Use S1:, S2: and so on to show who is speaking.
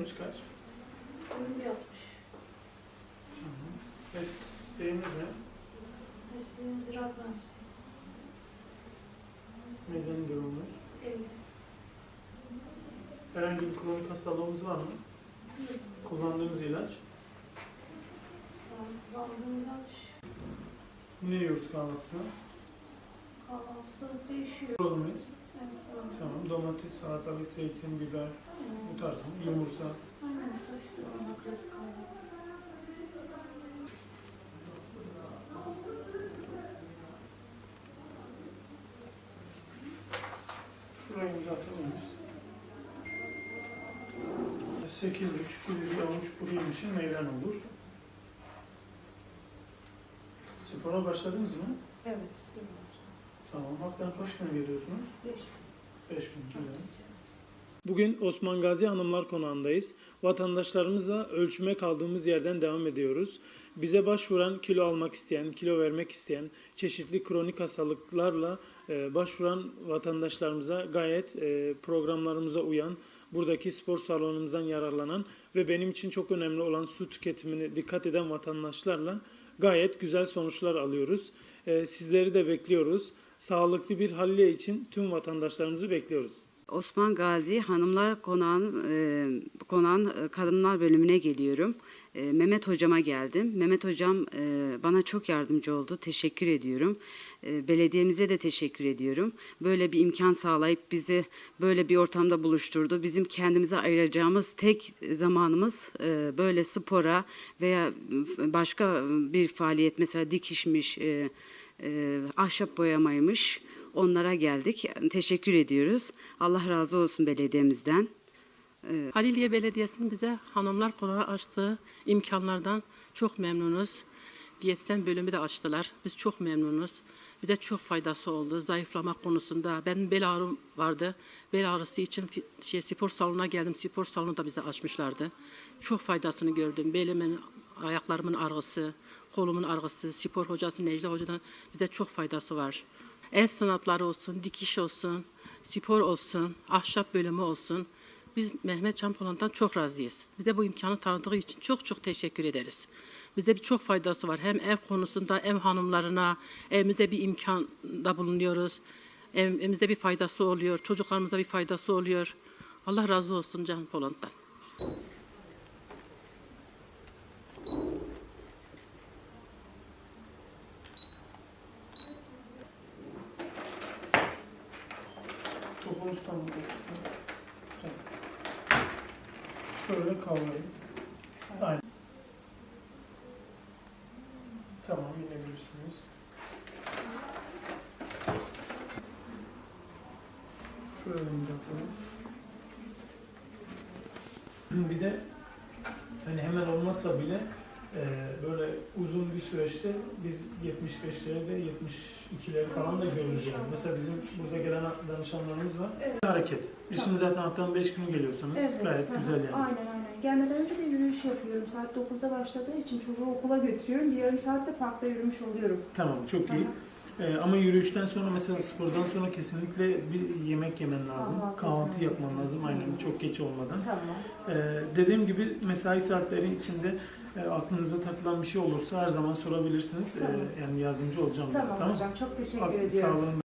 S1: Boyunuz kaç?
S2: Boyum 1.60.
S1: Tamam. Mesleğiniz ne?
S2: Mesleğim ziraat mühendisi.
S1: Medeni durumunuz?
S2: Evli.
S1: Herhangi bir kronik hastalığınız var mı? Kullandığınız ilaç?
S2: Kullandığım ilaç
S1: Ne yiyoruz kahvaltıda?
S2: kahvaltıda değişiyor.
S1: Olur muyuz?
S2: Evet, doğru.
S1: Tamam. Domates, salatalık, zeytin, biber, bu tarz mı? Yumurta.
S2: Aynen, işte ona klasik kahvaltı.
S1: Şurayı uzatır mıyız? 8,5 kilo bir avuç kuru yemişin meyven olur. Spora başladınız mı?
S2: Evet,
S1: Tamam. Haftanın kaç gün geliyorsunuz?
S2: 5.
S1: 5 gün. Güzel. Bugün Osman Gazi Hanımlar Konağı'ndayız. Vatandaşlarımızla ölçüme kaldığımız yerden devam ediyoruz. Bize başvuran, kilo almak isteyen, kilo vermek isteyen, çeşitli kronik hastalıklarla başvuran vatandaşlarımıza gayet programlarımıza uyan, buradaki spor salonumuzdan yararlanan ve benim için çok önemli olan su tüketimine dikkat eden vatandaşlarla gayet güzel sonuçlar alıyoruz. Sizleri de bekliyoruz. Sağlıklı bir halliye için tüm vatandaşlarımızı bekliyoruz.
S3: Osman Gazi Hanımlar Konağı'nın kadınlar bölümüne geliyorum. Mehmet hocama geldim. Mehmet hocam bana çok yardımcı oldu. Teşekkür ediyorum. Belediyemize de teşekkür ediyorum. Böyle bir imkan sağlayıp bizi böyle bir ortamda buluşturdu. Bizim kendimize ayıracağımız tek zamanımız böyle spora veya başka bir faaliyet, mesela dikişmiş, ahşap boyamaymış. Onlara geldik. Teşekkür ediyoruz. Allah razı olsun belediyemizden.
S4: Haliliye Belediyesi'nin bize Hanımlar Konağı açtığı imkanlardan çok memnunuz. Diyetisyen bölümü de açtılar. Biz çok memnunuz. Bize çok faydası oldu. Zayıflama konusunda. Benim bel ağrım vardı. Bel ağrısı için spor salonuna geldim. Spor salonu da bize açmışlardı. Çok faydasını gördüm. Belimin, ayaklarımın ağrısı, kolumun ağrısı, spor hocası Necla Hoca'dan bize çok faydası var. El sanatları olsun, dikiş olsun, spor olsun, ahşap bölümü olsun. Biz Mehmet Can Polat'tan çok razıyız. Bize bu imkanı tanıdığı için çok çok teşekkür ederiz. Bize çok faydası var. Hem ev konusunda, ev hanımlarına, evimize bir imkanda bulunuyoruz. Evimize bir faydası oluyor, çocuklarımıza bir faydası oluyor. Allah razı olsun Can Polat'tan.
S1: Topunuz tam olsun. Şöyle kavrayın. Aynen. Tamam, inebilirsiniz. Şöyle yapalım. Bir de hani hemen olmasa bile böyle uzun bir süreçte biz 75'leri ve 72'leri falan da görürüz yani. Mesela bizim burada gelen danışanlarımız var.
S5: Evet.
S1: Hareket. Biz şimdi zaten haftanın 5 günü geliyorsunuz. Gayet
S5: hı hı.
S1: güzel yani.
S5: Aynen. Gelmeden önce de yürüyüş yapıyorum. Saat 9'da başladığı için çocuğu okula götürüyorum. Bir yarım saatte parkta yürümüş oluyorum.
S1: Tamam, çok iyi. Ama yürüyüşten sonra, mesela spordan sonra kesinlikle bir yemek yemen lazım. Kahvaltı yapman lazım, aynen, çok geç olmadan.
S5: Tamam.
S1: Dediğim gibi mesai saatleri içinde aklınıza takılan bir şey olursa her zaman sorabilirsiniz.
S5: Tamam.
S1: Yani yardımcı olacağım.
S5: Tamam hocam. Çok teşekkür ediyorum.
S1: Sağ olun.